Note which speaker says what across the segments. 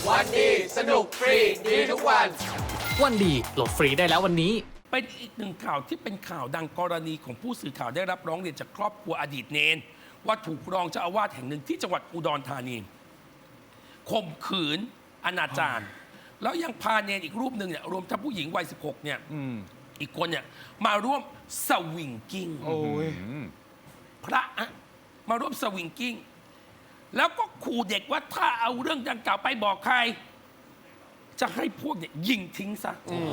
Speaker 1: วันดีสนุกฟรีดีทุกวัน
Speaker 2: วันดีโหลดฟรีได้แล้ววันนี้
Speaker 3: เป็นอีกหนึ่งข่าวที่เป็นข่าวดังกรณีของผู้สื่อข่าวได้รับร้องเรียนจากครอบครัวอดีตเนนว่าถูกรองเจ้าอาวาสแห่งหนึ่งที่จังหวัดอุดรธานีข่มขืนอนาจารแล้วยังพาเนนอีกรูปหนึ่งเนี่ยรวมทั้งผู้หญิงวัย 16 เนี่ยอีกคนเนี่ยมาร่วมสวิงกิ้งพระอะมาร่วมสวิงกิ้งแล้วก็ขู่เด็กว่าถ้าเอาเรื่องดังกล่าวไปบอกใคร จะให้พวกเนี่ยยิงทิ้งซะ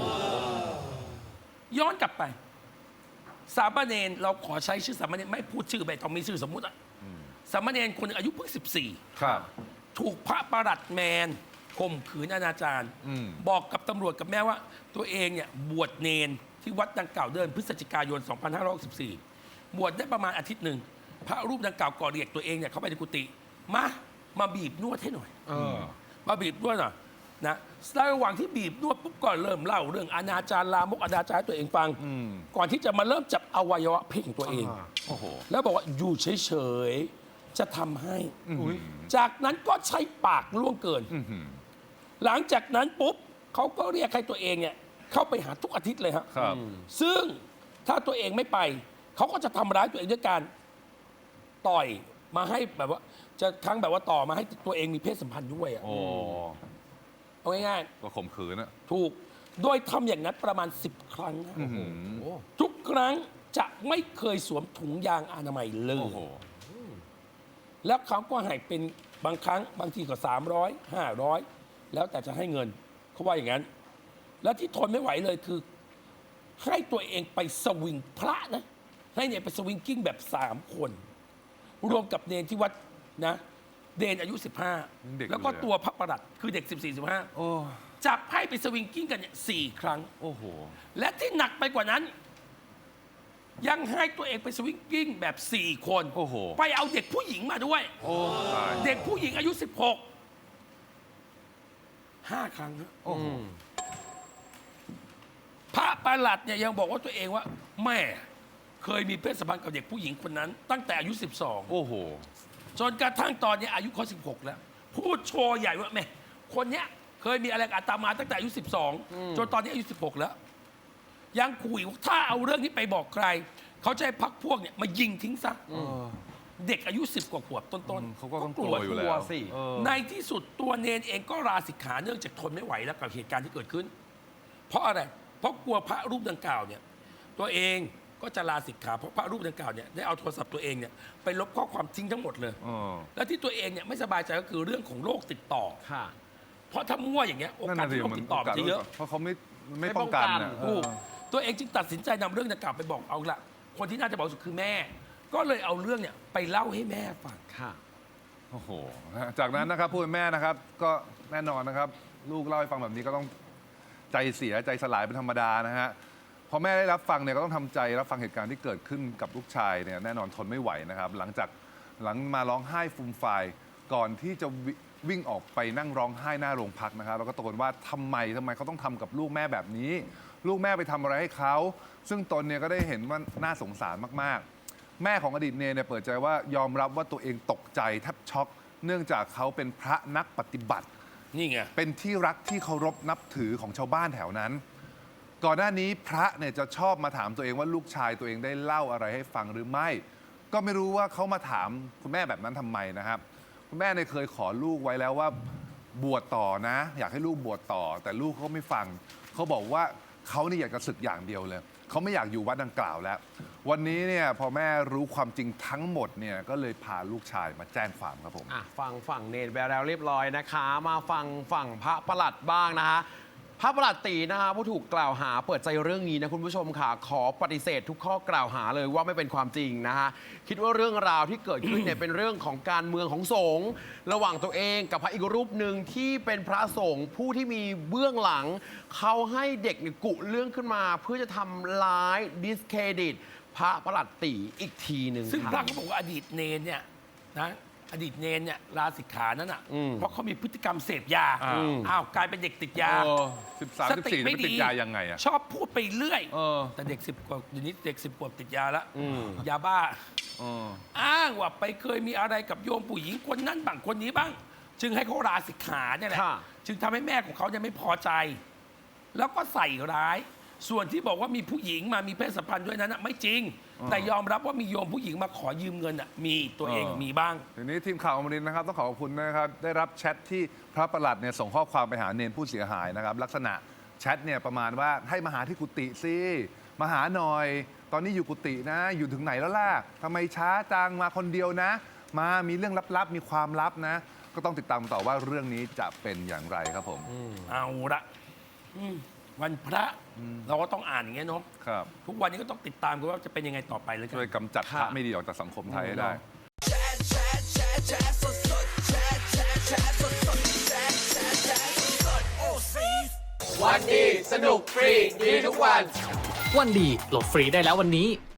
Speaker 3: ย้อนกลับไป สามเณรเราขอใช้ชื่อสามเณรไม่พูดชื่อไปต้องมีชื่อสมมุติอะสามเณรคนหนึ่งอายุเพิ่ง
Speaker 4: ครับ
Speaker 3: 14 ถูกพระประหลัดแมนข่มขืนอนาจารบอกกับตำรวจกับแม่ว่า ตัวเองเนี่ยบวชเนนที่วัดดังกล่าวเดือนพฤศจิกายน 2564 บวชได้ประมาณอาทิตย์หนึ่งพระรูปดังกล่าวก่อเรียกตัวเองเนี่ยเข้าไปในกุฏิมาบีบนวดให้หน่อยมาบีบนวดหน่อยนะระหว่างที่บีบนวดปุ๊บก็เริ่มเล่าเรื่องอนาจารลามกอนาจารให้ตัวเองฟังก่อนที่จะมาเริ่มจับอวัยวะเพศของตัวเองแล้วบอกว่าอยู่เฉยๆจะทำให้จากนั้นก็ใช้ปากล่วงเกินหลังจากนั้นปุ๊บเขาก็เรียกให้ตัวเองเนี่ยเข้าไปหาทุกอาทิตย์เลยครับซึ่งถ้าตัวเองไม่ไปเขาก็จะทำร้ายตัวเองด้วยการต่อยมาให้แบบว่าจะทั้งแบบว่าต่อมาให้ตัวเองมีเพศสัมพันธ์ด้วยอ่ะเอาง่ายๆ
Speaker 4: ก็ข่มขืนอะ
Speaker 3: ถูกโดยทำอย่างนั้นประมาณ10 ครั้งนะทุกครั้งจะไม่เคยสวมถุงยางอนามัยเลยแล้วเขาก็ให้เป็นบางครั้งบางทีก็300 500แล้วแต่จะให้เงินเขาว่าอย่างนั้นแล้วที่ทนไม่ไหวเลยคือให้ตัวเองไปสวิงพระนะให้เนี่ยไปสวิงกิ้งแบบ3 คนรวมกับเนนที่วัดนะเดนอายุ 15 แล้วก็ตัวพระประหลัดคือเด็ก 14-15จับให้ไปสวิงกิ้งกันเนี่ย4 ครั้งและที่หนักไปกว่านั้น ยังให้ตัวเองไปสวิงกิ้งแบบ4 คนไปเอาเด็กผู้หญิงมาด้วยเด็กผู้หญิงอายุ 16 5 ครั้งนะพระประหลัดเนี่ยยังบอกว่าตัวเองว่าแม่เคยมีเพศสัมพันธ์กับเด็กผู้หญิงคนนั้น ตั้งแต่อายุ 12จนกระทั่งตอนนี้อายุเขา16 แล้วพูดโชว์ใหญ่ว่าแม่คนเนี้ยเคยมีอะไรกับอาตมาตั้งแต่อายุ 12 จนตอนนี้อายุ 16 แล้วยังคุยว่าถ้าเอาเรื่องนี้ไปบอกใครเขาจะให้พักพวกเนี่ยมายิงทิ้งซะเด็กอายุ 10 กว่าขวบต้นๆ
Speaker 4: เขาก็ต้องกลัวอยู่แล้ว
Speaker 3: สิในที่สุดตัวเนนเองก็ลาสิกขาเนื่องจากทนไม่ไหวแล้วกับเหตุการณ์ที่เกิดขึ้นเพราะอะไรเพราะกลัวพระรูปดังกล่าวเนี่ยตัวเองก็จะลาสิกขาเพราะพระรูปดังกล่าวเนี่ยได้เอาโทรศัพท์ตัวเองเนี่ยไปลบข้อความทิ้งทั้งหมดเลยแล้วที่ตัวเองเนี่ยไม่สบายใจก็คือเรื่องของโรคติดต่อเพราะถ้ามั่วอย่างเงี้ยโอกาสที่โรคติดต่อมันจะเยอะ
Speaker 4: เพราะเขาไม่ป้องกัน
Speaker 3: ตัวเองจึงตัดสินใจนำเรื่องดังกล่าวไปบอกเอาละคนที่น่าจะบอกสุดคือแม่ ก็เลยเอาเรื่องเนี่ยไปเล่าให้แม่ฟัง
Speaker 4: โอ้โหจากนั้นนะครับผู้เป็นแม่นะครับก็แน่นอนนะครับลูกเล่าให้ฟังแบบนี้ก็ต้องใจเสียใจสลายเป็นธรรมดานะฮะพอแม่ได้รับฟังเนี่ยก็ต้องทำใจรับฟังเหตุการณ์ที่เกิดขึ้นกับลูกชายเนี่ยแน่นอนทนไม่ไหวนะครับหลังมาร้องไห้ฟูมฟายก่อนที่จะวิ่งออกไปนั่งร้องไห้หน้าโรงพักนะครับแล้วก็ตะโกนว่าทำไมเขาต้องทำกับลูกแม่แบบนี้ลูกแม่ไปทำอะไรให้เขาซึ่งตนเนี่ยก็ได้เห็นว่าน่าสงสารมากๆแม่ของอดีตเนรเนี่ยเปิดใจว่ายอมรับว่าตัวเองตกใจแทบช็อกเนื่องจากเขาเป็นพระนักปฏิบัติ
Speaker 3: นี่ไง
Speaker 4: เป็นที่รักที่เคารพนับถือของชาวบ้านแถวนั้นก่อนหน้านี้พระเนี่ยจะชอบมาถามตัวเองว่าลูกชายตัวเองได้เล่าอะไรให้ฟังหรือไม่ก็ไม่รู้ว่าเขามาถามคุณแม่แบบนั้นทำไมนะครับคุณแม่เนี่ยเคยขอลูกไว้แล้วว่าบวชต่อนะอยากให้ลูกบวชต่อแต่ลูกเขาไม่ฟังเขาบอกว่าเขานี่อยากจะศึกอย่างเดียวเลยเขาไม่อยากอยู่วัดดังกล่าวแล้ววันนี้เนี่ยพอแม่รู้ความจริงทั้งหมดเนี่ยก็เลยพาลูกชายมาแจ้งความครับผม
Speaker 5: ฟังฝั่งเนรไปแล้วเรียบร้อยนะคะมาฟังฝั่งพระประหลัดบ้างนะคะพระประหลัดตีนะคะผู้ถูกกล่าวหาเปิดใจเรื่องนี้นะคุณผู้ชมค่ะขอปฏิเสธทุกข้อกล่าวหาเลยว่าไม่เป็นความจริงนะคะคิดว่าเรื่องราวที่เกิดขึ้นเนี่ยเป็นเรื่องของการเมืองของสงฆ์ระหว่างตัวเองกับพระอีกรูปหนึ่งที่เป็นพระสงฆ์ผู้ที่มีเบื้องหลังเขาให้เด็กเนี่ยกุเรื่องขึ้นมาเพื่อจะทำร้ายดิสเครดิตพระประหลัดตีอีกทีหนึ่ง
Speaker 3: ซึ่งพระเขาบอกว่าอดีตเนรเนี่ยนะอดีตเนรเนี่ยลาสิกขานั้นอ่ะเพราะเขามีพฤติกรรมเสพยากลายเป็นเด็กติดยา
Speaker 4: 13 14ไม่ติดยายังไงอ่ะ
Speaker 3: ชอบพูดไปเรื่อยแต่เด็ก10 กว่าเดี๋ยวนี้เด็ก10 กว่าติดยาแล้วยาบ้าอ้างว่าไปเคยมีอะไรกับโยมผู้หญิงคนนั้นบ้างคนนี้บ้างจึงให้เขาลาสิกขาเนี่ยแหละ
Speaker 5: ค่ะ
Speaker 3: จึงทำให้แม่ของเขาเนี่ยไม่พอใจ แล้วก็ใส่ร้าย ส่วนที่บอกว่ามีผู้หญิงมามีเพศสัมพันธ์ด้วยนั้นน่ะไม่จริง แต่ยอมรับว่ามีโยมผู้หญิงมาขอยืมเงินอ่ะมีตัวเองมีบ้าง
Speaker 4: ทีนี้ทีมข่าวอมรินทร์นะครับต้องขอบคุณนะครับได้รับแชทที่พระประหลัดเนี่ยส่งข้อความไปหาเนนผู้เสียหายนะครับลักษณะแชทเนี่ยประมาณว่าให้มาหาที่กุฏิสิมาหาหน่อย ตอนนี้อยู่กุฏินะ อยู่ถึงไหนแล้วล่ะทำไมช้าจังมาคนเดียวนะ มามีเรื่องลับๆมีความลับนะ ก็ต้องติดตามต่อว่าเรื่องนี้จะเป็นอย่างไรครับผม
Speaker 3: เอาละวันพระเราก็ต้องอ่านอย่างเงี้ยเนาะ
Speaker 4: ครับ
Speaker 3: ทุกวันนี้ก็ต้องติดตามกันว่าจะเป็นยังไงต่อไปเลยกัน
Speaker 4: ช่วยกำจัดพระไม่ดีออกจากสังคมไทยให้ได้
Speaker 1: วันดีสนุกฟรีดีทุกวัน
Speaker 2: วันดีโหลดฟรีได้แล้ววันนี้